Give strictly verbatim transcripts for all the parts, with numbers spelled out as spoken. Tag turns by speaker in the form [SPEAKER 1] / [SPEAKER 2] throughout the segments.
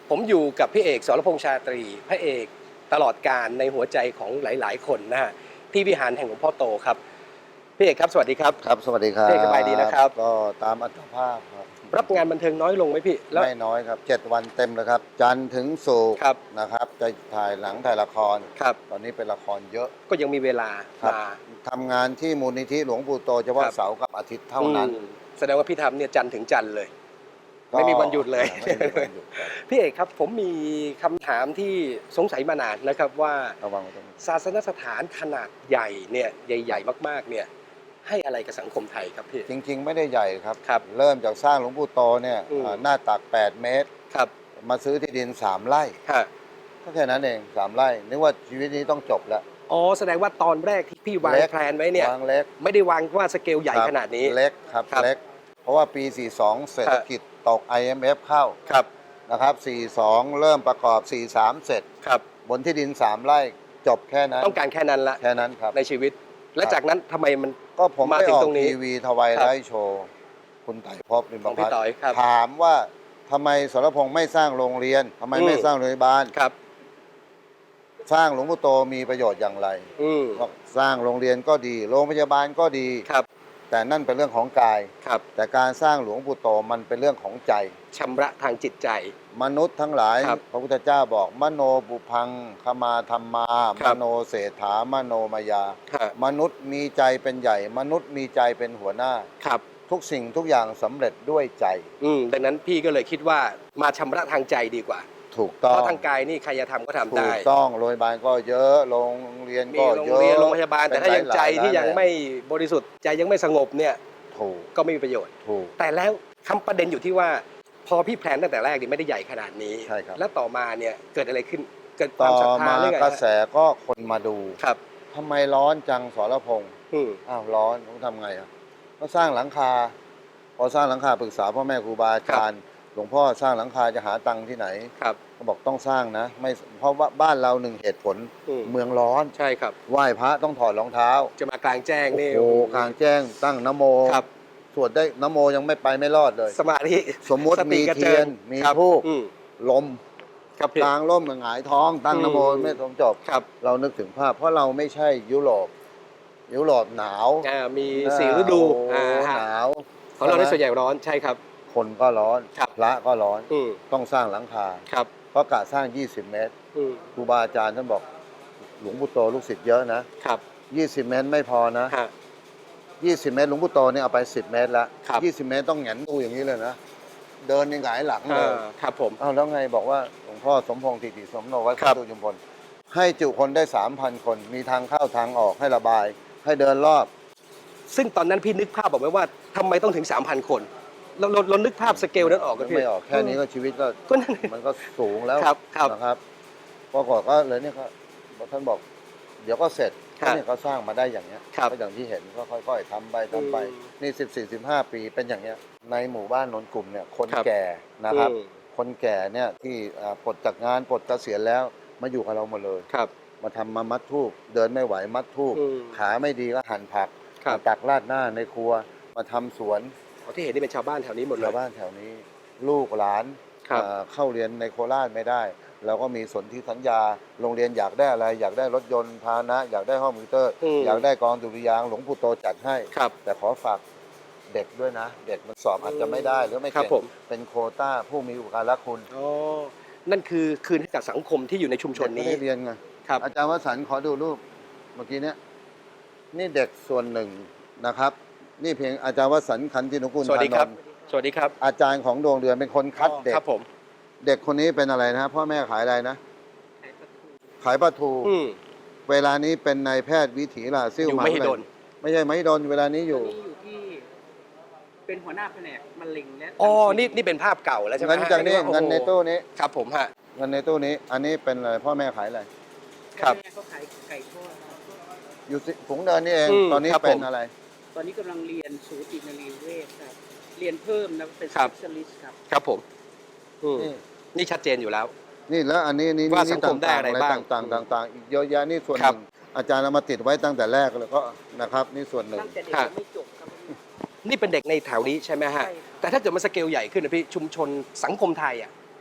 [SPEAKER 1] ผมอยู่กับพี่เอกสรพงษ์ชาตรีพระเอกตลอดการในหัวใจของหลายๆคนนะฮะที่วิหารแห่งหลวงพ่อโตครับพี่เอกครับสวัสดีครับ
[SPEAKER 2] ครับสวัสดีครับ
[SPEAKER 1] พี่เอกสบายดีนะครับ
[SPEAKER 2] ก็ตามอัตภาพครับ
[SPEAKER 1] รับงานบันเทิงน้อยลงไหมพี่แล้ว
[SPEAKER 2] ไม่น้อยครับเจ็ดวันเต็มเลยครับจันทร์ถึงศุกร์
[SPEAKER 1] ครับ
[SPEAKER 2] นะครับจะถ่ายหนังถ่ายละคร
[SPEAKER 1] ครับ
[SPEAKER 2] ตอนนี้เป็นละครเยอะ
[SPEAKER 1] ก็ยังมีเวลา
[SPEAKER 2] ครับ
[SPEAKER 1] มา
[SPEAKER 2] ทำงานที่มูลนิธิหลวงปู่โตเฉพาะ
[SPEAKER 1] ครับ
[SPEAKER 2] เสาร์กับอาทิตย์เท่านั้น
[SPEAKER 1] อืมแสดงว่าพี่ทำเนี่ยจันทร์ถึงจันทร์เลย
[SPEAKER 2] ก็
[SPEAKER 1] ไม่มีวันหยุดเลย
[SPEAKER 2] ไม่มีวันหยุดครับ
[SPEAKER 1] พี่เอกครับผมมีคำถามที่สงสัยมานานนะครับว่า
[SPEAKER 2] ระวังไว้ตรงนี้
[SPEAKER 1] ศาสนสถานขนาดใหญ่เนี่ยใหญ่ๆมากๆเนี่ยให้อะไรกับสังคมไทยครับพี่
[SPEAKER 2] จริงๆ ไม่ได้ใหญ่ครับ
[SPEAKER 1] ครับ
[SPEAKER 2] เริ่มจากสร้างหลวงปู่โตเนี่ย
[SPEAKER 1] อืม
[SPEAKER 2] อ่าหน้าตักแปดเมตร
[SPEAKER 1] ครับ
[SPEAKER 2] มาซื้อที่ดินสามไร่
[SPEAKER 1] ฮะ
[SPEAKER 2] ก็แค่นั้นเองสามไร่นึกว่าชีวิตนี้ต้องจบแล้ว
[SPEAKER 1] อ๋อแสดงว่าตอนแรกที่พี่วาง
[SPEAKER 2] เล็ก
[SPEAKER 1] แผนไว้เนี่ยว
[SPEAKER 2] างเล็ก
[SPEAKER 1] ไม่ได้วางว่าสเกลใหญ่
[SPEAKER 2] ครับ
[SPEAKER 1] ขนาดนี้
[SPEAKER 2] เล็กครับ
[SPEAKER 1] ครับ
[SPEAKER 2] เล็ก เพราะว่าปี สี่สิบสอง เศรษฐกิจตก ไอ เอ็ม เอฟ เข้า
[SPEAKER 1] ครับ
[SPEAKER 2] นะครับ สี่สิบสอง เริ่มประกอบ สี่สิบสาม เสร็จ
[SPEAKER 1] ครับ
[SPEAKER 2] บนที่ดิน สาม ไร่จบแค่นั้น
[SPEAKER 1] ต้องการแค่นั้นละ
[SPEAKER 2] แค่นั้นครับ
[SPEAKER 1] ในชีวิต และจากนั้นทำไมมัน
[SPEAKER 2] ก็ผม
[SPEAKER 1] มา
[SPEAKER 2] ไป
[SPEAKER 1] ถึ
[SPEAKER 2] อง อก
[SPEAKER 1] ตรงนี้
[SPEAKER 2] ทีวีทวาย
[SPEAKER 1] ครับ
[SPEAKER 2] ไลฟ์โชว์ คุณไต่ภพลิม
[SPEAKER 1] ของ
[SPEAKER 2] พั
[SPEAKER 1] พี่
[SPEAKER 2] ฒน์
[SPEAKER 1] ต่อยครับ
[SPEAKER 2] ถามว่าทำไมสรพงษ์ไม่สร้างโรงเรียนทำไม
[SPEAKER 1] อืม
[SPEAKER 2] ไม่สร้างโรงพยาบาล
[SPEAKER 1] ครับ
[SPEAKER 2] สร้างหลวงปู่โตมีประโยชน์อย่างไร
[SPEAKER 1] อืม
[SPEAKER 2] บอกสร้างโรงเรียนก็ดี โรงพยาบาลก็ดี
[SPEAKER 1] ครับ
[SPEAKER 2] แต่นั่นเป็นเรื่องของกาย
[SPEAKER 1] ครับ
[SPEAKER 2] แต่การสร้างหลวงปู่โตมันเป็นเรื่องของใจ
[SPEAKER 1] ชำระทางจิตใจ
[SPEAKER 2] มนุษย์ทั้งหลาย
[SPEAKER 1] ครับ
[SPEAKER 2] พระพุทธเจ้าบอกมโนบุพังขมาธรรมา
[SPEAKER 1] ครั
[SPEAKER 2] ม
[SPEAKER 1] บ
[SPEAKER 2] โนเศรษฐามโนมายา
[SPEAKER 1] ฮะ
[SPEAKER 2] มนุษย์มีใจเป็นใหญ่ มนุษย์มีใจเป็นหัวหน้า
[SPEAKER 1] ครับ
[SPEAKER 2] ทุกสิ่งทุกอย่างสำเร็จด้วยใจ
[SPEAKER 1] อืมดังนั้นพี่ก็เลยคิดว่ามาชำระทางใจดีกว่า
[SPEAKER 2] ถูก
[SPEAKER 1] เพ
[SPEAKER 2] ต้อง
[SPEAKER 1] ราะทางกายนี่ใครจะทำก็ทำ
[SPEAKER 2] ถู
[SPEAKER 1] ได้
[SPEAKER 2] กต้องโรงพยาบาลก็เยอะโรงเรียน
[SPEAKER 1] มี
[SPEAKER 2] ก็
[SPEAKER 1] โรง
[SPEAKER 2] เยอะ
[SPEAKER 1] เรียนโรงพยาบาล แต่ถ้ายัง
[SPEAKER 2] เป็นหล
[SPEAKER 1] ใจที่
[SPEAKER 2] ร้าน
[SPEAKER 1] ยังไม่บริสุทธิ์ใจยังไม่สงบเนี่ย
[SPEAKER 2] ถูก
[SPEAKER 1] ก็ไม่มีประโยชน์
[SPEAKER 2] ถูก
[SPEAKER 1] แต่แล้วคำประเด็นอยู่ที่ว่า พอพี่แพลนตั้งแต่แรกนี่ไม่ได้ใหญ่ขนาดนี้
[SPEAKER 2] ใช่ครับ
[SPEAKER 1] แล้วต่อมาเนี่ยเกิดอะไรขึ้นเกิดค
[SPEAKER 2] ต่
[SPEAKER 1] วาม
[SPEAKER 2] อ
[SPEAKER 1] ศรัทธา
[SPEAKER 2] มา
[SPEAKER 1] เรื่องอะไร
[SPEAKER 2] กระแส
[SPEAKER 1] ฮะ
[SPEAKER 2] ก็คนมาดู
[SPEAKER 1] ครับ
[SPEAKER 2] ทำไมร้อนจังสรพงษ์
[SPEAKER 1] อืม
[SPEAKER 2] อ้าวร้อนต้องทำไงอ่ะก็สร้างหลังคา พอสร้างหลังคาปรึกษาพ่อแม่ครูบาอาจารย์หลวงพ่อสร้างหลังคาจะหาตังค์ที่ไหน
[SPEAKER 1] ครับ
[SPEAKER 2] ก็บอกต้องสร้างนะไม่เพราะว่าบ้านเราหนึ่งเหตุผล
[SPEAKER 1] อืม
[SPEAKER 2] เมืองร้อน
[SPEAKER 1] ใช่ครับ
[SPEAKER 2] ไหว้พระต้องถอดรองเท้า
[SPEAKER 1] จะมากลางแจ้งนี่
[SPEAKER 2] โอ้โหกลางแจ้งตั้งนะโม
[SPEAKER 1] ครับ
[SPEAKER 2] สวดได้นะโมยังไม่ไปไม่รอดเลย
[SPEAKER 1] สมาธิ
[SPEAKER 2] สมมุติ
[SPEAKER 1] ส
[SPEAKER 2] มี
[SPEAKER 1] กระ
[SPEAKER 2] เที
[SPEAKER 1] จิ
[SPEAKER 2] ย
[SPEAKER 1] ง
[SPEAKER 2] นมี
[SPEAKER 1] ครับ
[SPEAKER 2] ธูป
[SPEAKER 1] อืม
[SPEAKER 2] ลม
[SPEAKER 1] ครับพี่
[SPEAKER 2] กลางร่มกับหงายท้อง ตั้งนะโม
[SPEAKER 1] อืม
[SPEAKER 2] ไม่สมจบ
[SPEAKER 1] ครับ
[SPEAKER 2] เรานึกถึงภาพ เพราะเราไม่ใช่ยุโรปยุโรปหนาว
[SPEAKER 1] อ่ามีสี่ฤดู
[SPEAKER 2] โอ้
[SPEAKER 1] อ่า
[SPEAKER 2] โห
[SPEAKER 1] ฮะ
[SPEAKER 2] หนาว
[SPEAKER 1] ของเราในส่วน
[SPEAKER 2] ใช่
[SPEAKER 1] ใหญ่ร้อนใช่ครับ
[SPEAKER 2] คนก็ร้อน
[SPEAKER 1] ครับ
[SPEAKER 2] พระก็ร้อน
[SPEAKER 1] อืม
[SPEAKER 2] ต้องสร้างหลังคา
[SPEAKER 1] ครับ
[SPEAKER 2] เพราะกะสร้าง ยี่สิบ เมตร
[SPEAKER 1] อืม
[SPEAKER 2] ครูบาอาจารย์ท่านบอกหลวงปู่โตลูกศิษย์เยอะนะครับ ยี่สิบ เมตรไม่พอนะ
[SPEAKER 1] ฮะ
[SPEAKER 2] ยี่สิบ เมตรหลวงปู่โตเนี่ยเอาไปสิบ เมตรแล้ว
[SPEAKER 1] ครับ
[SPEAKER 2] ยี่สิบ เมตรต้องแหงนดูอย่างนี้เลยนะเดินยังหงายหลังเลย
[SPEAKER 1] อ่าครับผม
[SPEAKER 2] อ้าวแล้วไงบอกว่าหลวงพ่อสมพงษ์ติติสมโนวัด
[SPEAKER 1] ครับ
[SPEAKER 2] ตุยุมพลให้จุคนได้ สามพัน คน มีทางเข้าทางออกให้ระบาย ให้เดินรอบ
[SPEAKER 1] ซึ่งตอนนั้นพี่นึกภาพบอกไว้ว่าทำไมต้องถึง สามพัน คนเราเราเรานึกภาพสเกลนั้นออกกันพี่
[SPEAKER 2] ไม่ออกแค่นี้ก็ชีวิตก็
[SPEAKER 1] ก็นั่น
[SPEAKER 2] มันก็สูงแล้ว
[SPEAKER 1] ครับครับ
[SPEAKER 2] นะครับปรากฏก็เลยเนี่ยก็ท่านบอก เดี๋ยวก็เสร็จ
[SPEAKER 1] ครับ
[SPEAKER 2] เนี่ยเขาสร้างมาได้อย่างเงี้ย
[SPEAKER 1] ครับ
[SPEAKER 2] ก็อย่างที่เห็นก็ค่อยๆทำไปทำไป
[SPEAKER 1] อืม
[SPEAKER 2] นี่สิบสี่สิบห้าปีเป็นอย่างเงี้ยในหมู่บ้านนนกลุ่มเนี่ยคน
[SPEAKER 1] ครับ
[SPEAKER 2] แก่นะครับ
[SPEAKER 1] อืม
[SPEAKER 2] คนแก่เนี่ยที่อ่าปลดจากงานปลดเกษียณแล้วมาอยู่กับเราหมดเลย
[SPEAKER 1] ครับ
[SPEAKER 2] มาทำมามัดทูบเดินไม่ไหวมัดทูบ
[SPEAKER 1] อืม
[SPEAKER 2] ขาไม่ดีก็หั่นผัก
[SPEAKER 1] ครับ
[SPEAKER 2] มาตักราดหน้าในครัว มาทำสวน
[SPEAKER 1] อ๋อที่เห็นนี่เป็นชาวบ้านแถวนี้หมดเล
[SPEAKER 2] ชาวย บ้านแถวนี้ ลูกหลาน
[SPEAKER 1] ครับ
[SPEAKER 2] อ่าเข้าเรียนในโคราชไม่ได้ เราก็มีสนธิสัญญาโรงเรียนอยากได้อะไร อยากได้รถยนต์พาหนะ อยากได้ห้องคอมพิวเตอร์
[SPEAKER 1] อืม
[SPEAKER 2] อยากได้กองดุริยางค์หลวงปู่โตจัดให้
[SPEAKER 1] ครับ
[SPEAKER 2] แต่ขอฝากเด็กด้วยนะ เด็กมันสอบอาจจะไม่ได้หรือไม่
[SPEAKER 1] ครั
[SPEAKER 2] เก่
[SPEAKER 1] บผม
[SPEAKER 2] งเป็นโควต้าผู้มีอุปการะคุณ
[SPEAKER 1] อ๋อนั่นคือคืนให้กับสังคมที่อยู่ในชุมชน
[SPEAKER 2] เด็กไม่
[SPEAKER 1] นี้
[SPEAKER 2] ได้เรียนไง
[SPEAKER 1] ครับ
[SPEAKER 2] อาจารย์วสันต์ขอดูรูปเมื่อกี้เนี้ยนี่เด็กส่วนหนึ่งนะครับ นี่เพียงอาจารย์วสันต์ขันตินุกูล
[SPEAKER 1] สวัสดีครับ
[SPEAKER 2] ธานนท์
[SPEAKER 1] สวัสดีครับ
[SPEAKER 2] อาจารย์ของดวงเดือนเป็นคนคัดเด็ก
[SPEAKER 1] ครับผม
[SPEAKER 2] เด็กคนนี้เป็นอะไรนะพ่อแม่ขายอะไรนะ ขายปลาทู
[SPEAKER 1] อืม
[SPEAKER 2] เวลานี้เป็นนายแพทย์วิถีลาซิ่ว
[SPEAKER 1] อยู่
[SPEAKER 2] หา
[SPEAKER 1] ไม่
[SPEAKER 2] วิ
[SPEAKER 1] ให้
[SPEAKER 2] ทยา
[SPEAKER 1] โด
[SPEAKER 2] ลัย
[SPEAKER 1] น
[SPEAKER 2] ไม่ใช่ไม่โดนเวลานี้อ
[SPEAKER 3] ตอยู่ นนี้อยู่ที่เป็นหัวหน้าแผนกมะเร็งและ
[SPEAKER 1] อ๋อ
[SPEAKER 3] ทำ
[SPEAKER 1] นี่นี่เป็นภาพเก่าแล้วใช่ไหม
[SPEAKER 2] เงินจากนี้
[SPEAKER 1] ฮะ
[SPEAKER 2] เงินในตู้นี้
[SPEAKER 1] ครับผมฮะ
[SPEAKER 2] เงินในตู้นี้ อันนี้เป็นอะไรพ่อแม่ขายอะไร
[SPEAKER 1] ครับ
[SPEAKER 3] แม่เขาขายไก่ทอดครับ
[SPEAKER 2] อยู่สิฝูงเดินนี่เอง
[SPEAKER 1] อืม
[SPEAKER 2] ตอนนี้
[SPEAKER 1] ครับ
[SPEAKER 2] เป็น
[SPEAKER 1] ผม
[SPEAKER 2] อะไร
[SPEAKER 3] ตอนนี้กำลังเรียนสูตินรีเวชครับ เรียนเพิ่มนะเป็น
[SPEAKER 1] ครับ
[SPEAKER 3] specialist ครับ
[SPEAKER 1] ครับผมอืม
[SPEAKER 2] นี่
[SPEAKER 1] นี่ชัดเจนอยู่แล้ว
[SPEAKER 2] นี่แล้วอันนี้นี่
[SPEAKER 1] ว่า
[SPEAKER 2] นี่
[SPEAKER 1] สังคมได้อะไร
[SPEAKER 2] ต่างๆ
[SPEAKER 1] บ้าง
[SPEAKER 2] ต่างๆต่างๆอีกเยอะแยะนี่ส่วนห
[SPEAKER 1] ครับ
[SPEAKER 2] นึ่งอาจารย์เอามาติดไว้ตั้งแต่แรกเลยก็นะครับ นี่ส่วนหนึ่ง
[SPEAKER 3] ตั้งแต่เด็ก
[SPEAKER 1] ฮะ
[SPEAKER 3] ยังไม่จบครับ
[SPEAKER 1] นี่เป็นเด็กในแถวนี้ใช่ไหมฮะ
[SPEAKER 3] ใช่ครับ
[SPEAKER 1] แต่ถ้าเกิดมันสเกลใหญ่ขึ้นนะพี่ชุมชนสังคมไทยอ่ะ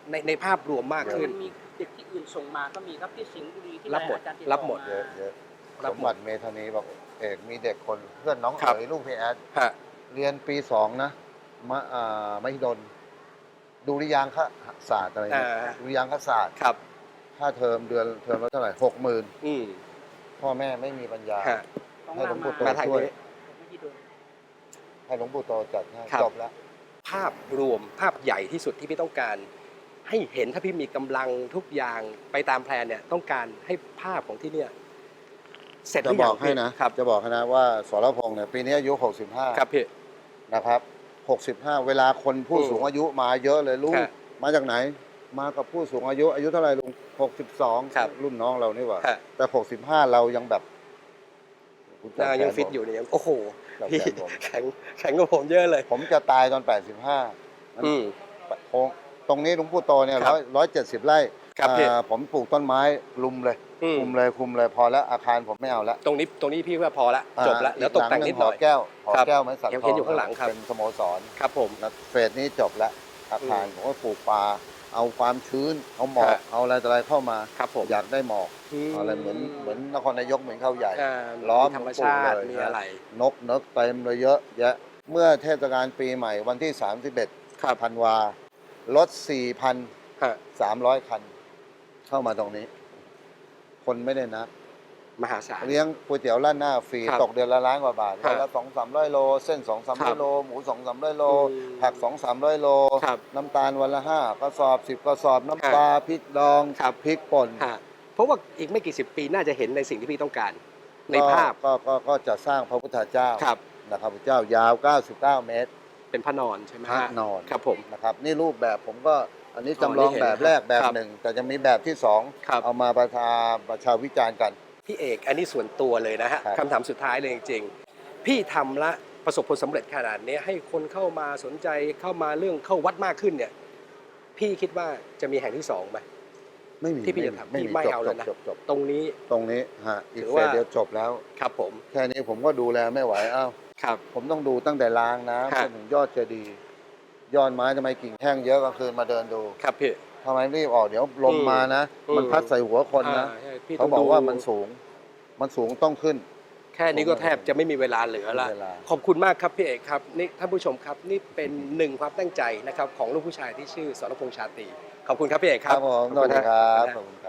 [SPEAKER 1] ในในภาพรวมมากขึ้น
[SPEAKER 3] มันมีเด็กที่อื่นส่งมาก็มีครับที่สิงห์บุรีที่
[SPEAKER 1] รับหมด
[SPEAKER 3] อาจารย์ติต่อ
[SPEAKER 1] รับหมด
[SPEAKER 3] า
[SPEAKER 2] เยอะเยอะ
[SPEAKER 1] รั
[SPEAKER 2] ส
[SPEAKER 1] บ
[SPEAKER 2] ม
[SPEAKER 1] หมด
[SPEAKER 2] บัติเมธานีบอกเอกมีเด็กคนเพื่อนน้อง
[SPEAKER 1] ครับ
[SPEAKER 2] เอ๋ยลูกพี่แอด
[SPEAKER 1] ฮะ
[SPEAKER 2] เรียนปีสองนะมะอ่ามหิดลดุริยางคศาสตร์อะไรเนี่ย
[SPEAKER 1] อ่า
[SPEAKER 2] ดุริยางคศาสตร์
[SPEAKER 1] ครับ
[SPEAKER 2] ค่าเทอมเดือนเทอมละเท่าไหร่หกหมื่น
[SPEAKER 1] อืม
[SPEAKER 2] พ่อแม่ไม่มีปัญญา
[SPEAKER 1] ฮะ
[SPEAKER 3] ต้อง
[SPEAKER 2] ให้หลวงปู่โต
[SPEAKER 1] มาทาง
[SPEAKER 2] ช่วย
[SPEAKER 1] นี้
[SPEAKER 3] ไม่ได้โดน
[SPEAKER 2] ให้หลวงปู่โตจัดให้
[SPEAKER 1] ครับ
[SPEAKER 2] จบแล้ว
[SPEAKER 1] ภาพรวมภาพใหญ่ที่สุดที่พี่ต้องการ ให้เห็นถ้าพี่มีกำลังทุกอย่างไปตามแพลนเนี่ยต้องการให้ภาพของที่เนี่ยเสร็จห
[SPEAKER 2] จะ
[SPEAKER 1] รือบ ยั
[SPEAKER 2] อง กให้นะ
[SPEAKER 1] ครับ
[SPEAKER 2] จะบอกให้นะว่าสรพงษ์เนี่ยปีนี้อายุหกสิบห้า
[SPEAKER 1] ครับพี่
[SPEAKER 2] นะครับหกสิบห้าเวลาคนผู้
[SPEAKER 1] อืม
[SPEAKER 2] สูงอายุมาเยอะเลยลูก
[SPEAKER 1] ฮะ
[SPEAKER 2] มาจากไหน มากับผู้สูงอายุอายุเท่าไหร่ลุงหกสิบสอง
[SPEAKER 1] ครับ
[SPEAKER 2] รุ่นน้องเรานี่หว่า
[SPEAKER 1] ฮะ
[SPEAKER 2] แต่หกสิบห้าเรายังแบบคุณจับ
[SPEAKER 1] อ่า
[SPEAKER 2] แขน
[SPEAKER 1] ยังฟิต
[SPEAKER 2] ผม
[SPEAKER 1] อยู่เนี่ยยังโอ้โห
[SPEAKER 2] จับ
[SPEAKER 1] พี่
[SPEAKER 2] แขนผม
[SPEAKER 1] แข็งแข็งกว่าผมเยอะเลย
[SPEAKER 2] ผมจะตายตอนแปดสิบห้า
[SPEAKER 1] อืม
[SPEAKER 2] โค้งตรงนี้หลวงปู่โตเนี่ย
[SPEAKER 1] ครั
[SPEAKER 2] ร้
[SPEAKER 1] บ
[SPEAKER 2] อยร้อยเจ็ดสิบไร่
[SPEAKER 1] ครับพี่
[SPEAKER 2] อ่าผมปลูกต้นไม้ลุมเลย
[SPEAKER 1] อืม
[SPEAKER 2] คุมเลยคุมเลยพอแล้วอาคารผมไม่เอาแล้ว
[SPEAKER 1] ตรงนี้ตรงนี้พี่ว่าพอละ
[SPEAKER 2] อ่า
[SPEAKER 1] จบละเดี๋ยวตกแต่งนิดหน่อย
[SPEAKER 2] กแก้วหอ
[SPEAKER 1] ครับ
[SPEAKER 2] แก้วไม้สัก
[SPEAKER 1] ยัง
[SPEAKER 2] ท
[SPEAKER 1] เห็นอยู่ข้างหลังครับ
[SPEAKER 2] เป็นสโมสร
[SPEAKER 1] ครับผม
[SPEAKER 2] นะเฟสนี้จบแล้วอาคาร
[SPEAKER 1] อืม
[SPEAKER 2] ผมก็ปลูกป่าเอาความชื้น เอาหมอก
[SPEAKER 1] ฮะ
[SPEAKER 2] เอาอะไรต่ออะไรเข้ามา
[SPEAKER 1] ครับผม
[SPEAKER 2] อยากได้หมอก
[SPEAKER 1] ม
[SPEAKER 2] อะไรเหมือนเหมือนนครนายกเหมือนเขาใหญ่
[SPEAKER 1] อ่า
[SPEAKER 2] ล้อม
[SPEAKER 1] ธรรมชาติ
[SPEAKER 2] หลวงปู่เลย
[SPEAKER 1] มีอะไร
[SPEAKER 2] นกนกเต็มเลยเยอะแยะเมื่อเทศกาลปีใหม่วันที่สามสิบเอ็ด
[SPEAKER 1] ครับ
[SPEAKER 2] ธันวารถ สี่พัน
[SPEAKER 1] ฮะ
[SPEAKER 2] สามร้อย คัน เข้ามาตรงนี้ คนไม่ได้นับ
[SPEAKER 1] มหาศาล
[SPEAKER 2] เลี้ยงก๋วยเตี๋ยวร้านหน้าฟรี
[SPEAKER 1] ครับ
[SPEAKER 2] ตกเดือนละล้านกว่าบาท
[SPEAKER 1] ครับ
[SPEAKER 2] วันละสองสามร้อยโล เส้นสองสาม
[SPEAKER 1] ครั
[SPEAKER 2] ร้อบ ยโล หมูสองสามร้อยโล
[SPEAKER 1] อืม
[SPEAKER 2] ผักสองสามร้อยโล
[SPEAKER 1] ครับ
[SPEAKER 2] น้ำตาลวันละห้ากระสอบสิบกระสอบ น้ำ
[SPEAKER 1] ครับ
[SPEAKER 2] ปลาพริกดอง
[SPEAKER 1] ครับ
[SPEAKER 2] พริกป่น
[SPEAKER 1] ฮะเพราะว่าอีกไม่กี่สิบปีน่าจะเห็นในสิ่งที่พี่ต้องการ ในภาพ
[SPEAKER 2] ก็ก็ก็จะสร้างพระพุทธเจ้า
[SPEAKER 1] ครับ
[SPEAKER 2] นะครับพระพุทธเจ้ายาว เก้าสิบเก้า เมตร
[SPEAKER 1] เป็นพระนอนใช่ไหม
[SPEAKER 2] พระ
[SPEAKER 1] ฮะ
[SPEAKER 2] นอน
[SPEAKER 1] ครับผม
[SPEAKER 2] นะครับ นี่รูปแบบผมก็อันนี้
[SPEAKER 1] อ๋อ
[SPEAKER 2] จำลอง
[SPEAKER 1] นี่เห็น
[SPEAKER 2] แบบแรก
[SPEAKER 1] ครับ
[SPEAKER 2] แบบ
[SPEAKER 1] ครับ
[SPEAKER 2] หนึ่ง แต่จะมีแบบที่สอง
[SPEAKER 1] ครับ
[SPEAKER 2] เอามาประชาประชาวิจารณ์กัน
[SPEAKER 1] พี่เอกอันนี้ส่วนตัวเลยนะฮะ
[SPEAKER 2] ครับ
[SPEAKER 1] คำถามสุดท้ายเลยจริงๆ พี่ทำละประสบผลสำเร็จขนาดนี้ให้คนเข้ามาสนใจเข้ามาเรื่องเข้าวัดมากขึ้นเนี่ย พี่คิดว่าจะมีแห่งที่สองไหม
[SPEAKER 2] ไม่มี
[SPEAKER 1] ที่พี่จะทำ
[SPEAKER 2] ไม่
[SPEAKER 1] พี่
[SPEAKER 2] มี
[SPEAKER 1] ไม่
[SPEAKER 2] จบ
[SPEAKER 1] เอา
[SPEAKER 2] จ
[SPEAKER 1] แล้ว
[SPEAKER 2] บ
[SPEAKER 1] นะ
[SPEAKER 2] จบจบ
[SPEAKER 1] ตรงนี้
[SPEAKER 2] ตรงนี้ฮะอีก
[SPEAKER 1] ถือ
[SPEAKER 2] เฟ
[SPEAKER 1] ว่า
[SPEAKER 2] สเดียวจบแล้ว
[SPEAKER 1] ครับผม
[SPEAKER 2] แค่นี้ผมก็ดูแลไม่ไหวอ้าว
[SPEAKER 1] ครับ
[SPEAKER 2] ผมต้องดูตั้งแต่รางน้ำ
[SPEAKER 1] ครั
[SPEAKER 2] จ
[SPEAKER 1] บ
[SPEAKER 2] นถึงยอดเจดีย์ยอดไม้ทำไมกิ่งแห้งเยอะกลางคืนมาเดินดู
[SPEAKER 1] ครับพี่
[SPEAKER 2] ทำไมรีบออกเดี๋ยวลม
[SPEAKER 1] อืม
[SPEAKER 2] มานะ
[SPEAKER 1] อืม
[SPEAKER 2] มันพัดใส่หัวคนนะ
[SPEAKER 1] อ่าใช่พี่
[SPEAKER 2] เขา
[SPEAKER 1] ต้ง
[SPEAKER 2] บอก
[SPEAKER 1] ดู
[SPEAKER 2] ว่ามันสูง มันสูงต้องขึ้น
[SPEAKER 1] แค่นี้ก็แทบจะไม่มีเวลาเหลือละ
[SPEAKER 2] ไม่มีเวลา
[SPEAKER 1] ขอบคุณมากครับพี่เอกครับนี่ท่านผู้ชมครับนี่เป็นหนึ่งความตั้งใจนะครับของลูกผู้ชายที่ชื่อสรพงษ์ชาตรีขอบคุณครับพี่เอก
[SPEAKER 2] ค
[SPEAKER 1] ครั
[SPEAKER 2] รั
[SPEAKER 1] บบ
[SPEAKER 2] ผม
[SPEAKER 1] ข
[SPEAKER 2] ส
[SPEAKER 1] อ
[SPEAKER 2] วั
[SPEAKER 1] ณ
[SPEAKER 2] สดี
[SPEAKER 1] นะครับ
[SPEAKER 2] ขอบคุณครับ